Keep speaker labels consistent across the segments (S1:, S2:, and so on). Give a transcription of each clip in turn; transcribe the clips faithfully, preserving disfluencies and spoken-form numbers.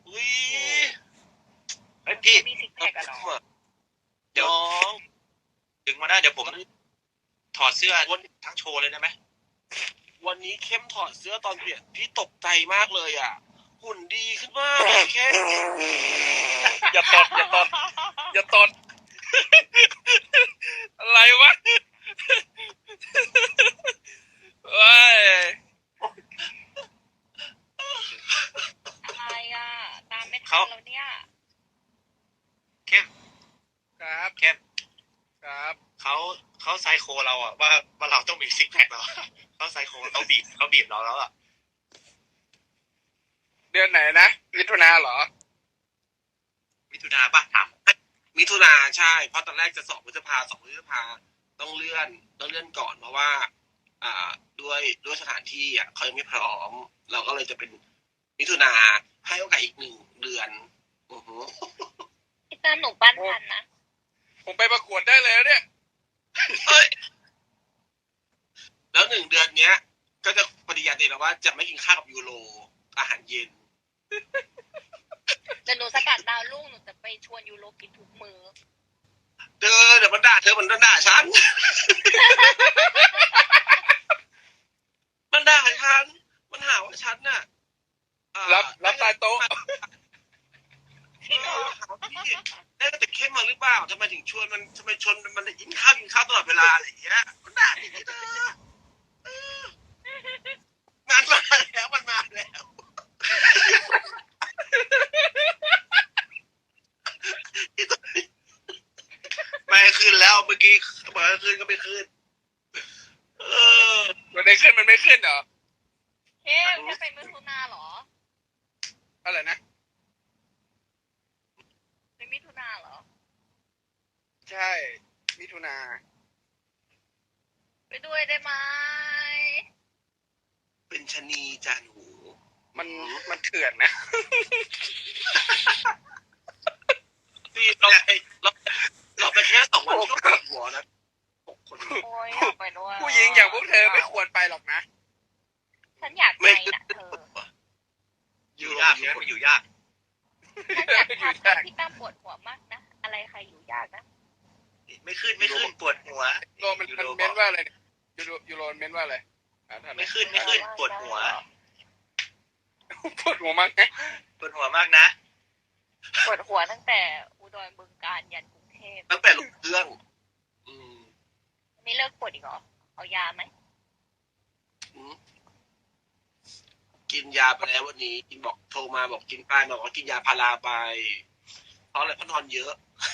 S1: อุ้ยเฮ้ยพี่
S2: มีซิกแพคอะเนาะ
S1: เดี๋ยวถึงมาได้เดี๋ยวผมถอดเสื้อทั้งโชว์เลยได้ไหมวันนี้เข้มถอดเสื้อตอนเปลี่ยนพี่ตกใจมากเลยอ่ะหุ่นดีขึ้นมากเข้มอย่าตดอย่าตดอย่าตดอะไรวะเฮ้ย
S2: อะไรอ่ะตามไม่ทันแล้วเนี่ย
S1: เข้มครับเข้มครับเขาเขาไซโคเราอ่ะว่าว่าเราต้องมีซิกแพคเราเขาไซโคเขาบีบเขาบีบเราแล้วอ่ะ
S3: เดือนไหนนะมิถุนาเหรอ
S1: มิถุนาปะถามมิถุนาใช่เพราะตอนแรกจะสอบพฤษภาสองพฤษภาต้องเลื่อนต้องเลื่อนก่อนเพราะว่าอ่าด้วยด้วยสถานที่อ่ะเขายังไม่พร้อมเราก็เลยจะเป็นมิถุนาให้โอกาสอีกหนึ่งเดือนอือฮึ
S2: พี่ตั้มหนูปั้นทันนะ
S3: ผมไปประกวดได้เลยเนี่ย
S1: เฮ้ยแล้วหนึ่งเดือนเนี้ยก็จะปฏิญาณเองแล้วว่าจะไม่กินข้าวกับยูโรอาหารเย็น
S2: เดี๋ยวหนูสกัดดาวรุ่งหนูจะไปชวนยูโรกินทุกมื้อ
S1: เธอเดี๋ยวมันด่าเธอมันด่าฉันมันด่าฉันมันหาว่าฉันน่ะ
S3: รับรับใต้โต๊ะ
S1: พี่ได้แต่เข้มมาหรือเปล่าทำไมถึงชวนมันทำไมชวนมันกินข้าวกินข้าวตลอดเวลาอะไรอย่างเงี้ยมันด่าอย่างนี้เธองานมาแล้วมันมาแล้วไม่ขึ้นแล้วเมื่อกี้บอกให้ขึ้นก็ไม่ขึ้นเออ
S3: วันไหนขึ้นมันไม่ขึ้นเหรอ
S2: เข้มแค่ไปมิถุนาเหรอ
S3: อะไรนะ
S2: ไปมิถุนาเหรอ
S3: ใช่มิถุนา
S2: ไปด้วยได้ไหม
S1: เป็นชนีจานหู
S3: มันมันเถื่อนนะ
S1: ที่เราเราเราไปแค่สองวันก็ปวดหัวนะ
S2: โอ้ยไปด้วย
S3: ผู้หญิงอย่างพวกเธอไม่ควรไปหรอกนะ
S2: ฉันอยากไปนะเธอ
S1: อยู่ยากใช่ไหมมันอยู่ยาก
S2: ฉันอยากทำพี่ตั้มปวดหัวมากนะอะไรใครอยู่ยากนะ
S1: ไม่ขึ้นไม่ขึ้นปวดหัว
S3: โรมันมันเม้นว่าอะไรยูโรยูโรเม้นว่าอะไร
S1: ไม่ขึ้นไม่ขึ้นปวดหัว
S3: ปวดหัวมากนะ
S1: ปวดหัวมากนะ
S2: ปวดหัวตั้งแต่อุดรบึงกาฬยันกรุงเทพ
S1: ตั้งแต่ลงเครื่องอืม
S2: นี่เลิกปวดอีกเหรอเอายาไหม
S1: กินยาไปแล้ววันนี้กินบอกโทรมาบอกกินไปบอกว่ากินยาพาราไปเพราะอะไรเพราะนอนเยอะ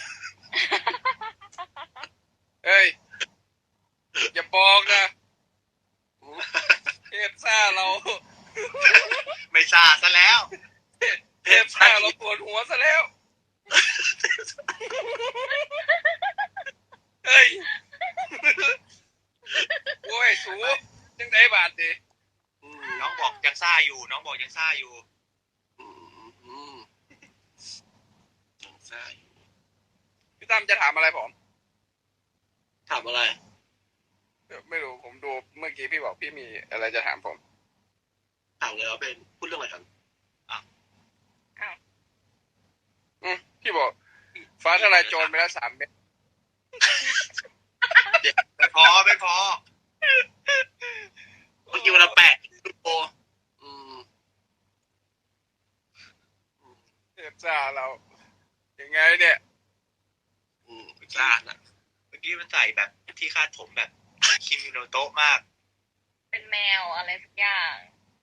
S3: เฮ้ยอย่าบอกนะเทพซ่าเรา
S1: ไม่ซ่าซะแล้ว
S3: เทพซ่าเราปวดหัวซะแล้วเฮ้ยโว้ยสูยังได้บาทดิ
S1: น้องบอกยังซ่าอยู่น้องบอกยังซ่าอยู่ยังซ่าอยู่
S3: พี่ตั้มจะถามอะไรผม
S1: ถามอะไร
S3: ไม่รู้ผมดูเมื่อกี้พี่บอกพี่มีอะไรจะถามผม
S1: ถามเลยว่าเป็นพูดเรื่องอะไรกัน
S2: อ้าวอ้าว
S3: อืมพี่บอกฟ้าทลายโจรไปแล้วสามเม็ด
S1: ไม่พอไม่พอเมื่อกี้วันละแปดโลอืม
S3: เทพซ่าเรายังไงเนี่ย
S1: อืมซ่านะเมื่อกี้มันใส่แบบที่คาดผมแบบคิมิโนโตะมาก
S2: เป็นแมวอะไรสักอย่าง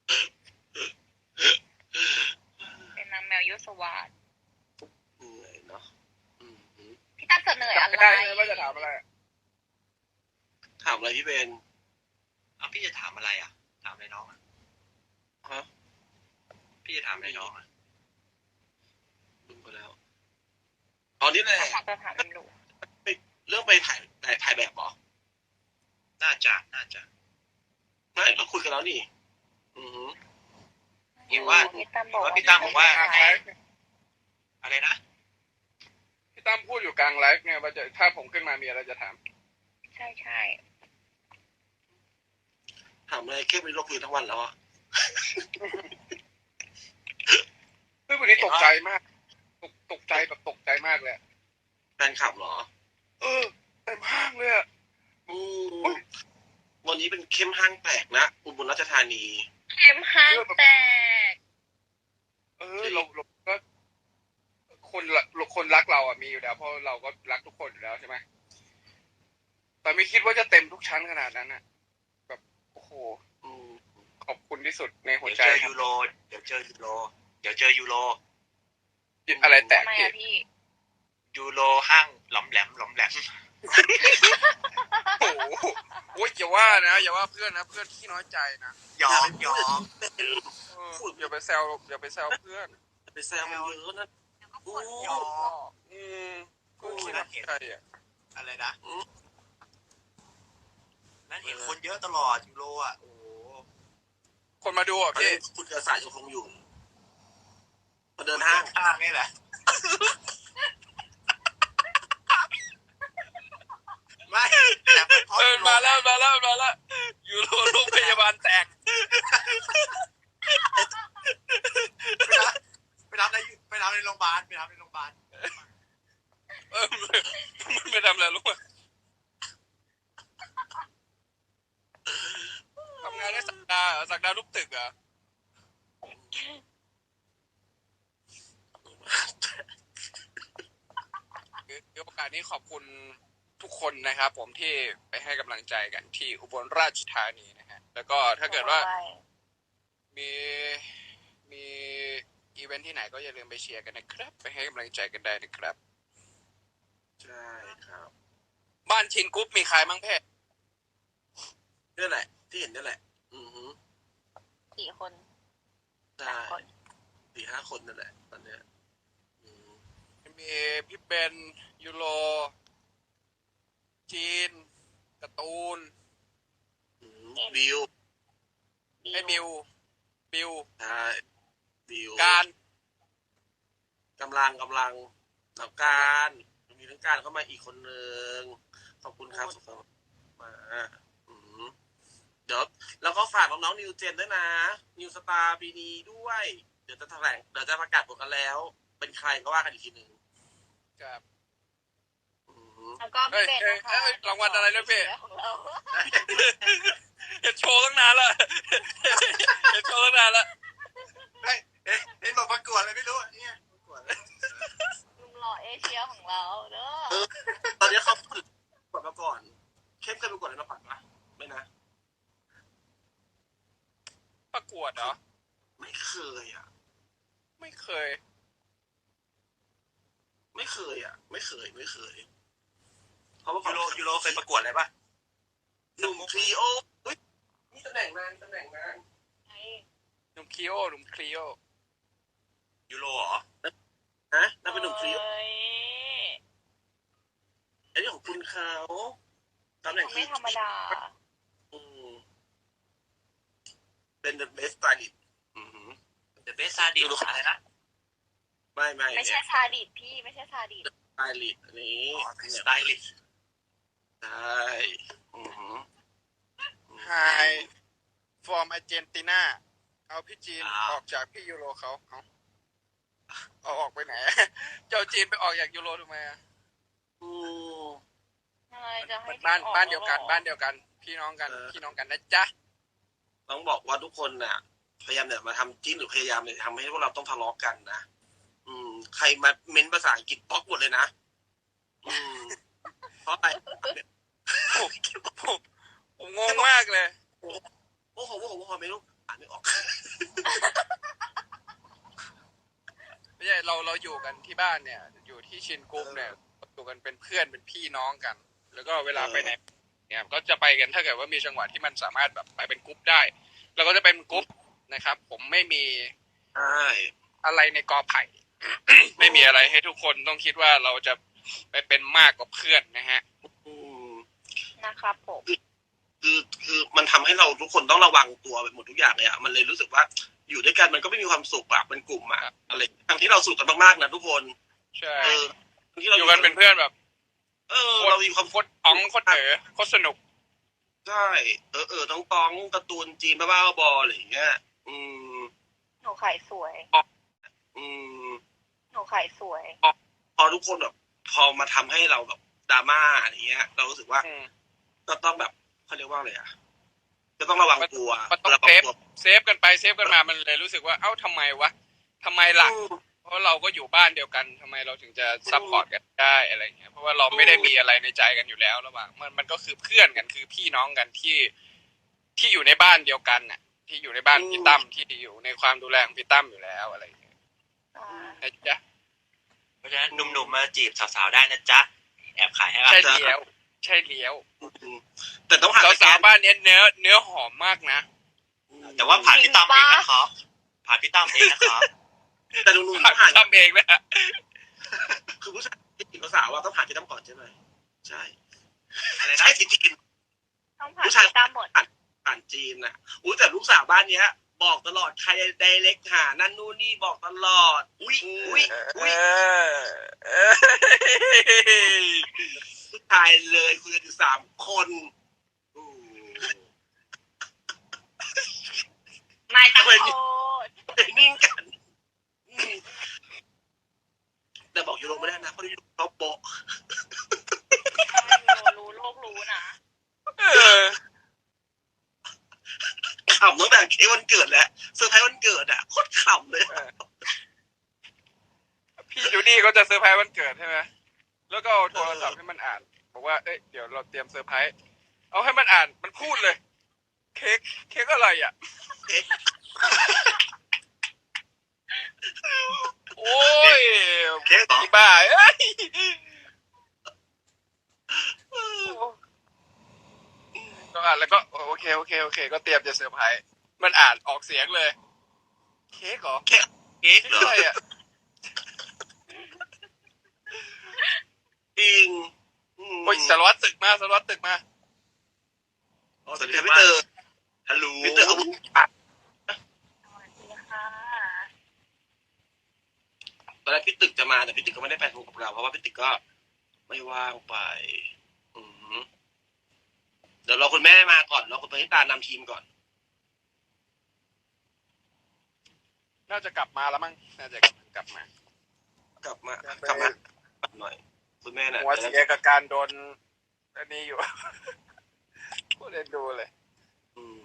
S2: เป็นนางแมวยุสวาส
S1: เหนื่อยเนาะ
S2: พี่ตั้มเสนออะไร
S3: ได้ว่าจะถามอะไร
S1: ถามอะไรพี่เบนอ้าวพี่จะถามอะไรอ่ะถามอะไรน้องอ่ะฮะพี่จะถามอะไรน้องอ่ะลืมไปแล้วตอนนี้แหละเรื่องไปถ่ายถ่ายแบบหรอน่าจะน่าจะไม่เราคุยกันแล้วนี่อือฮึเห็นว่าว่าพี่ตั้มบอกว่าอะไรนะ
S3: พี่ตั้มพูดอยู่กลางไลฟ์เนี่ยว่าจะถ้าผมขึ้นมามีอะไรจะถาม
S2: ใช่ใช่
S1: ถามอะไรเข้มในโลกคุยทั้งวันแล้วอ่ะ
S3: เฮ้ยวันนี้ตกกใจมากตกตกใจแบบตกใจมากเลย
S1: แฟนคลับเหรอ
S3: เออเต็มห้างเลยอะ
S1: อืมวันนี้เป็นเข้มห้างแตกนะอุบลราชธานี
S2: เข้มห้างแตก
S3: เออเราเราก็คนละคนรักเราอ่ะมีอยู่แล้วเพราะเราก็รักทุกคนอยู่แล้วใช่ไหมแต่ไม่คิดว่าจะเต็มทุกชั้นขนาดนั้นอ่ะแบบโอ้โห
S1: อืม
S3: ขอบคุณที่สุดในหัว
S1: เดี๋ยว
S3: ใจ
S1: เจอ
S3: ครั
S1: ยูโรเดี๋ยวเจอยูโรเดี๋ยวเจอยูโร
S3: บอะไรแตก
S2: ทำไม
S3: พี่
S2: อะพี่
S1: ยูโรห้างหลอมแหลมหลอมแหลม
S3: โอ้โหโอ้ยอย่าว่านะอย่าว่าเพื่อนนะเพื่อนที่น้อยใจนะ
S1: ยอมยอม
S3: เอออย่าไปแซวอย่าไปแซวเพื่อน
S1: ไปแซวมันเยอะนะ
S2: ปวดหัว
S3: อืมก็คิดว่าใครอ่ะ
S1: อะไรนะนั่นเห็นคนเยอะตลอดยูโรอ่ะโอ้
S3: คนมาดูอ่ะพี่
S1: คุณกระสายยังคงอยู่มาเดินห้างห้างนี่แหละไม่แต่เป็นเพราะ
S3: เออมาแล้วมาแล้วมาแล้วยูโรโรงพยาบาลแตก
S1: ไปรับในไปรับในโรงพยาบาลไปรับในโรงพยาบาล
S3: เออมันไปทำอะไรรู้ไหมทำงานได้สักดาห์สักดาห์รูปตึกเหรอ่ะคือโอกาสนี้ขอบคุณทุกคนนะครับผมที่ไปให้กำลังใจกันที่อุบลราชธานีนะฮะแล้วก็ถ้าเกิดว่ามีมีอีเวนท์ที่ไหนก็อย่าลืมไปเชียร์กันนะครับไปให้กำลังใจกันได้นะครับ
S1: ใช่ครับ
S3: บ้านชินกรุ๊ปมีใครบ้างเพ่
S1: นี่แหละที่เห็นนี่แหละ อือฮึ
S2: กี่คน
S1: ใช่สี่ห้าคนนั่นแหละตอนเนี้ย
S3: มีพี่เบนยูโรจีนการ์ตูน
S1: บิว
S3: ไอ้บิวบิว
S1: ใช่บิว
S3: การ
S1: กำลังกำลังหนักการมีทั้งการเข้ามาอีกคนนึงขอบคุณครับสุขสันต์มาอืมเดี๋ยวแล้วก็ฝากน้องๆนิวเจนด้วยนะนิวสตาร์ปีนี้ด้วยเดี๋ยวจะแถลงเดี๋ยวจะประกาศผลกันแล้ว เป็นใครก็ว่ากันอีกทีหนึ่ง
S3: ครับ
S1: อืม
S2: แล้วก็พี่เบนนะคะ
S3: เอ้ยเอ้ยรางวัลอะไรนะพี่
S2: ของเรา
S3: เห็นโชว์ตั้งนานละเห็นโชว์ตั้งนานละ
S1: เฮ้ยเอ๊ะเห็นบอกประกวดอะไรไม่รู้เนี่ยประกวด
S2: ลุงหล่อเอเชียของเราเด้อ
S1: ตอนนี้เขาฝึกประกวดมาก่อนเข้มเคยประกวดอะไรมาก่อนปะไม่นะ
S3: ประกวดเหรอ
S1: ไม่เคยอ่ะ
S3: ไม่เคย
S1: ไม่เคยอ่ะ ไม่เคยไม่เคยเพราะว่ายูโรยูโรเคยประกวดอะไรปะหนุ่มทรีโอเฮ้ยนี่ตำแหน่งนานตำแหน่งนาน
S3: หนุ่มคลีโอหนุ่มคลีโอ
S1: ยูโรเหรอฮะนั่นเป็นหนุ่มทรีโอ
S2: เอ้ย
S1: ไอ้นี่ของคุณเขาตำแหน่ง
S2: ไม่ธรรมดา
S1: อืมเป็น the best stylist อือ the best stylist อะไรนะไม่ไม่
S2: ไม่ใช่ซาดิสพี่ไม่ใช่ซาดิส
S1: สไตลิสต์อันนี้สไตลิสต์ใช่อือหือ
S3: ไฮฟอร์มอาร์เจนตินาเอาพี่จีนออกจากพี่ยูโรเขาเอาเอาออกไปไหน เจ้าจีนไปออกจากยูโรทำไมอ่ะ
S1: อืม
S2: อะไรจะให้
S3: บ้าน
S2: ออก
S3: บ้านเดียวกัน
S2: หรอ
S3: บ้านเดียวกัน พี่น้องกัน
S1: เออ
S3: พี่น้องกันนะจ๊ะ
S1: ต้องบอกว่าทุกคนน่ะ พยายามเนี่ยมาทำจิ้นหรือพยายามเนี่ยทำให้พวกเราต้องทะเลาะกันนะอืม ใครมาเม้นภาษาอังกฤษบล็อกหมดเลยนะอืมเพราะอะไร
S3: ผมผมผมงงมากเลย
S1: โอ้โหโอ้โหโอ้โหโอ้โหไม่รู้อ่านไม่ออก
S3: ไม่ใช่เราเราอยู่กันที่บ้านเนี่ย อยู่ที่ชินกรุ๊ปเนี่ยอยู่กันเป็นเพื่อนเป็นพี่น้องกัน แล้วก็เวลาไปไหนเนี่ยก็จะไปกันถ้าเกิดว่ามีจังหวะที่มันสามารถแบบไปเป็นกรุ๊ปได้เราก็จะเป็นกรุ๊ปนะครับ ผมไม่มี
S1: ใช่
S3: อะไรในกอไผ่ ไม่มีอะไรให้ทุกคนต้องคิดว่าเราจะไปเป็นมากกว่าเพื่อนนะฮะ
S1: อืม
S2: นะครับผม
S1: คือคือมันทำให้เราทุกคนต้องระวังตัวไปหมดทุกอย่างเลยอ่ะมันเลยรู้สึกว่าอยู่ด้วยกันมันก็ไม่มีความสุขอะเป็นกลุ่มอะอะไรทั้งที่เราสุขกันมากๆนะทุกคน
S3: ใช่
S1: เออที่เรา
S3: อยู่กันเป็นเพื่อนแบบ
S1: เออเรามีความ
S3: โคตรอ๋องโคตรเอ๋อโคตรสนุก
S1: ใช่เออเออต้องต้องการ์ตูนจีนบ้าๆบอๆอะไรอย่างเงี้ย อืม
S2: หนูขายสวย
S1: อืม
S2: ายสวย
S1: พอทุกคนแบบพอมาทำให้เราแบบดราม่าอะไรเงี้ย เรารู้สึกว่า
S3: อืม
S1: ก็ต้องแบบเขาเรียกว่าอะไรอ่ะก็ต้องระวังตัว
S3: มันต้อง
S1: ระวั
S3: เซ
S1: ง
S3: ฟ
S1: ตัว
S3: เซฟกันไปเซฟกันมามันเลยรู้สึกว่าเอ้าทำไมวะทำไมล่ะ
S1: อืม
S3: เพราะเราก็อยู่บ้านเดียวกันทำไมเราถึงจะซัพพอร์ตกันได้อะไรเงี้ยเพราะว่าเราไม่ได้มีอะไรในใจกันอยู่แล้วระหว่างมันมันก็คือเพื่อนกันคือพี่น้องกันที่ที่อยู่ในบ้านเดียวกันน่ะ ที่อยู่ในบ้านพี่ตั้มที่อยู่ในความดูแลของพี่ตั้มอยู่แล้วอะไรอย่างเงี้ย
S2: อ่า
S3: นะจ๊ะ
S4: เพราะฉะนั้นหนุ่มๆมาจีบสาวๆได้นะจ๊ะแอบขายให้เรา
S3: ใช่เลี้ยวใช่เลี้ยว
S1: อืมแต่ต้องหา
S3: สาวๆบ้านเนี้ยเนื้อเนื้อหอมมากนะ
S4: แต่ว่าผ่านพี่ตั้มเองนะครับผ่านพี่ตั้มเองนะครับ
S1: แต่ลุงๆ
S3: ผ่า
S1: ต้องผ่าน
S3: นทำเองนะ
S1: คือผู้ชายที่จีบสาวว่าต้องผ่านที่ตั้มก่อนใช่ไหมใช่
S4: อะไรนะ
S1: ใช่จริง
S2: ต้องผ่านพี่ตั้มหมด
S1: ๆผ่านจีนนะอุ้ยแต่ลูกสาวบ้านเนี้ย บอกตลอดใครไดเรกหานั่นนู่นนี่บอกตลอด อุ้ยอุ้ยอุ้ย
S3: เออ
S1: ผู้ชายเลยคุยกันอยู่สามคนอืม
S2: ไม่ต้องโทษ
S1: นิ่งกันอืมแต่บอกยูโรไม่ได้นะเพราะยูโรเขาโปะ
S2: รู้โลกรู้นะ
S3: เออ
S1: ขำตั้งแต่เค้กวันเกิดแล้วเซอร์ไพรส์วันเกิดอ่ะโคตรขำเลย
S3: พี่จูดี้ก็จะเซอร์ไพรส์วันเกิดใช่ไหมแล้วก็เอาโทรศัพท์ให้มันอ่านบอกว่าเอ้ยเดี๋ยวเราเตรียมเซอร์ไพรส์เอาให้มันอ่านมันพูดเลย เค้กเค้กอะไรอ่ะ
S1: เค้ก
S3: โอ้ย
S4: เค้กเหรอ
S3: อีบ้าเอ้ยก็อ่านแล้วก็โอเคโอเคโอเคก็เตรียมจะเซอร์ไพรส์มันอ่านออกเสียงเลย เค้กเหรอ
S4: เค้ก
S3: เค้ก
S4: เหรอ
S3: อะไรอ่ะ
S1: จริงอืม
S3: โอ้ยสารวัตรตึกมาสารวัตรตึกมา
S1: สวัสดีครับพี่เตอร์
S4: ฮัลโหล
S1: พี่เตอร์เอาบุญอ่ะ
S2: สวัสดีค่ะ
S1: ตอนแรกพี่ตึกจะมาแต่พี่ตึกก็ไม่ได้ไปทูกับเราเพราะว่าพี่ตึกก็ไม่ว่างไป อืมเดี๋ยวรอคุณแม่มาก่อนรอคุณปณิตานำทีมก่อน
S3: น่าจะกลับมาแล้วมั้งน่าจะกลับมาก
S1: ลับมากลับมาหน่อย คุณแม่น่ะ
S3: หัวเสียกับการโดนอันนี้อยู่ พูดเล่นดูเลย
S1: อืม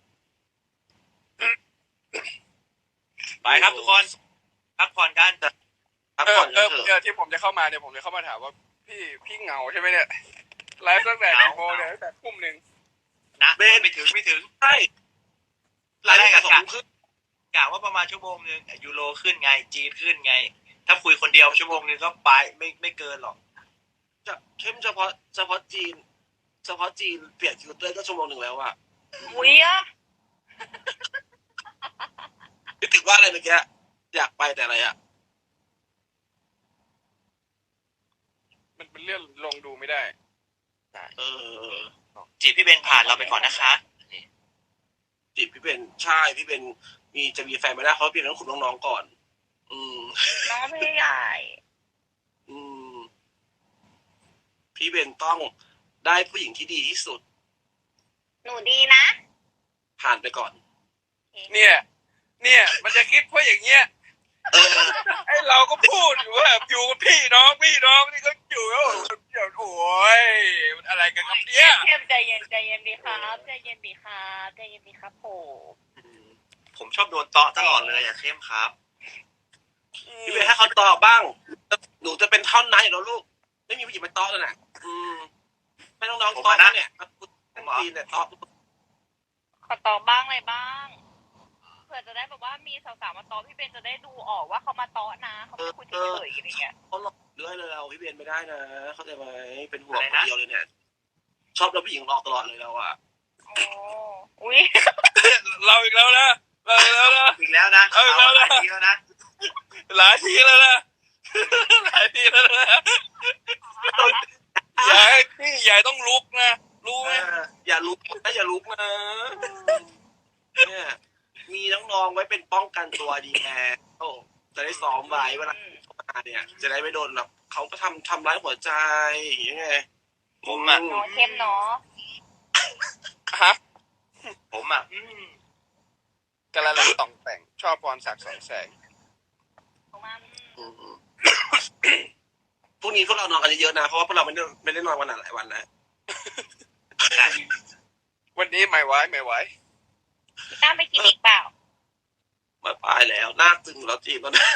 S4: ไปครับทุกคนพักผ่อนกัน
S1: พัก
S3: เออ
S1: ผ่อน
S3: เอ
S1: กัน
S3: อ
S1: เถ
S3: เอ
S1: อะ
S3: อที่ผมจะเข้ามาเนี่ยผมจะเข้ามาถามว่า พี่พี่เหงาใช่ไหมเนี่ยไลฟ์ตั้งแต่กี่โมงเนี่ยตั้งแต่ทุ่มหนึ่ง
S4: นะไม่ถึงไม่ถึง
S1: ใช่รายได้กับสองครึ่ง
S4: กะว่าประมาณชั่วโมงนึงยูโรขึ้นไงจีนขึ้นไง ถ้าคุยคนเดียวชั่วโมงนึงก็ไปไม่ไม่เกินหรอก
S1: จะเข้มเฉพาะเฉพาะจีน เฉพาะจีนเปลี่ยนฟิลเตอร์ก็ชั่วโมงหนึ่งแล้วอะ
S2: อุ้ยอะ
S1: นึกถึงว่าอะไรเมื่อกี้อยากไปแต่อะไรอะ
S3: มันเป็นเรื่องลงดูไม่ได้
S1: เออ
S4: จีบพี่เบนผ่านเราไปก่อนนะคะ
S1: จีบพี่เป็นใช่พี่เป็นมีจะมีแฟนไม่ได้เพราะพี่เป็นต้องขุนน้องๆก่อน อืม
S2: น้องพี่ใหญ่
S1: อืม พี่เป็นต้องได้ผู้หญิงที่ดีที่สุด
S2: หนูดีนะ
S1: ผ่านไปก่อน
S3: เนี่ย เนี่ยมันจะคิดเพราะอย่างเงี้ย
S1: เออ
S3: ไอเราก็พูดอยู่ว่าอยู่กับพี่น้องพี่น้องนี่ก็อยู่แล้วเดี๋ยวโอ้ยมันอะไรกันครับเนี่ย
S2: เข้มใจเย็นใจเย็นดีครับใจเย็นดีครับใจเย็นดีครับผม
S4: ผมชอบโดนเตาะตลอดเลยอย่าเข้มครับ
S1: พี่เป็นให้เขาตอบบ้าง หนูจะเป็นท่อนนั้นอยู่แล้วลูก ไม่มีผู้หญิงไปตอบแล้วนะอืมให้น้องๆตอบนะเนี่ยจีนเนี่ยตอบ
S2: ขอตอบบ้างอะไรบ้างเผื่อจะได้แบบว่ามีสาวๆมาตอบพี่เบนจะได้ดูออกว่าเขามาตอนะเขาไม่คุยเฉยๆอะไรเงี้ย
S1: เขาหลอกเรื่อยเลยเราพี่เบนไม่ได้นะเข้าใจไหมเป็นห่วงคนเดียวเลยเนี่ย ชอบเราผู้หญิงหลอกตลอดเลยเราอะ
S2: โอ้อุ้ย
S3: เราอีกแล้วนะเราอีกแล้วนะ
S4: อีกแล้วนะ
S3: เอาอีกแล้วนะ
S4: หลายทีแล้วนะ
S3: หลายทีแล้วนะหลายทีแล้วนะยายพี่ยายต้องลุกนะรู้ไหม
S1: เอออย่าลุกนะอย่าลุกนะเนี่ย มีน้องๆไว้เป็นป้องกันตัวดีแน่โอ้จะได้ซ้อมไว้เวลาเข้ามาเนี่ย จะได้ไม่โดนแบบเขาก็ทำทำร้ายหัวใจอย่างเงี้ยไง
S4: ผมอ่ะ
S2: น้องเข้มเนาะ
S3: ฮะ
S4: ผมอ่ะอืม
S3: กระลังต่องแต่งชอบพรศักดิ์สองแสง
S2: ประมาณ
S1: อืมรุ่งนี้พวกเรานอนกันเยอะๆนะเพราะว่าพวกเราไม่ได้ไม่ได้นอนวันหลายวันแล้ว
S3: วันนี้ไม่ไหวไม่ไหว
S2: พี่ตั้มไปกินอีกเปล่า
S1: มาปลายแล้วหน้าตึงแล้วจีบแล้วนะ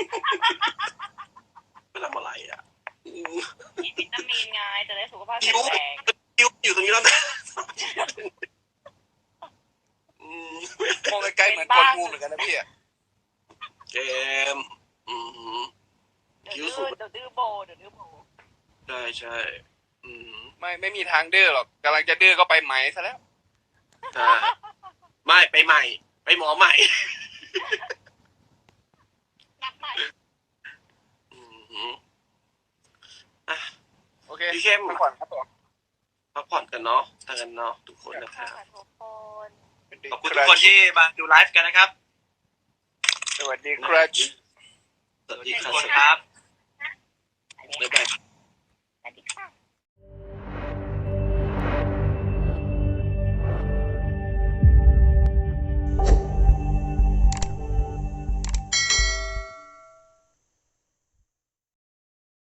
S1: ไม่ทำอะไรอ่ะอืม
S2: กินวิตามินไงจะได้สุขภาพแข็งแรง
S1: คิวอยู่ตรงนี้แล้วนะอืม
S3: มองใกล้ๆเหมือนคนงูเหมือนกันนะพี่อะ
S1: เกมอืม
S2: เดี๋ยวดื้อเดี๋ยวดื้อโบเดี๋ยวดื้อโบ
S1: ใช่ใช่อืม
S3: ไม่ไม่มีทางดื้อหรอกกำลังจะดื้อก็ไปไหมซะแล้ว
S1: ใช่ไม่ไปใหม่ ไปหมอใหม่
S2: นับใหม่
S1: อืมอ่ะ
S3: โอเค
S1: พี่เข้ม
S3: พักผ่อนครับผม
S1: พักผ่อนกันเนาะทางกันเนาะทุกคนนะค
S2: ค่ะ
S1: รับ
S2: ทุกคน
S4: ขอบคุณทุกคนที่มาดูไลฟ์กันนะครับ
S3: สวัสดีครับ
S1: สวัสดี
S4: ทุก
S1: ครับ
S4: คนครับ
S1: บ๊ายบาย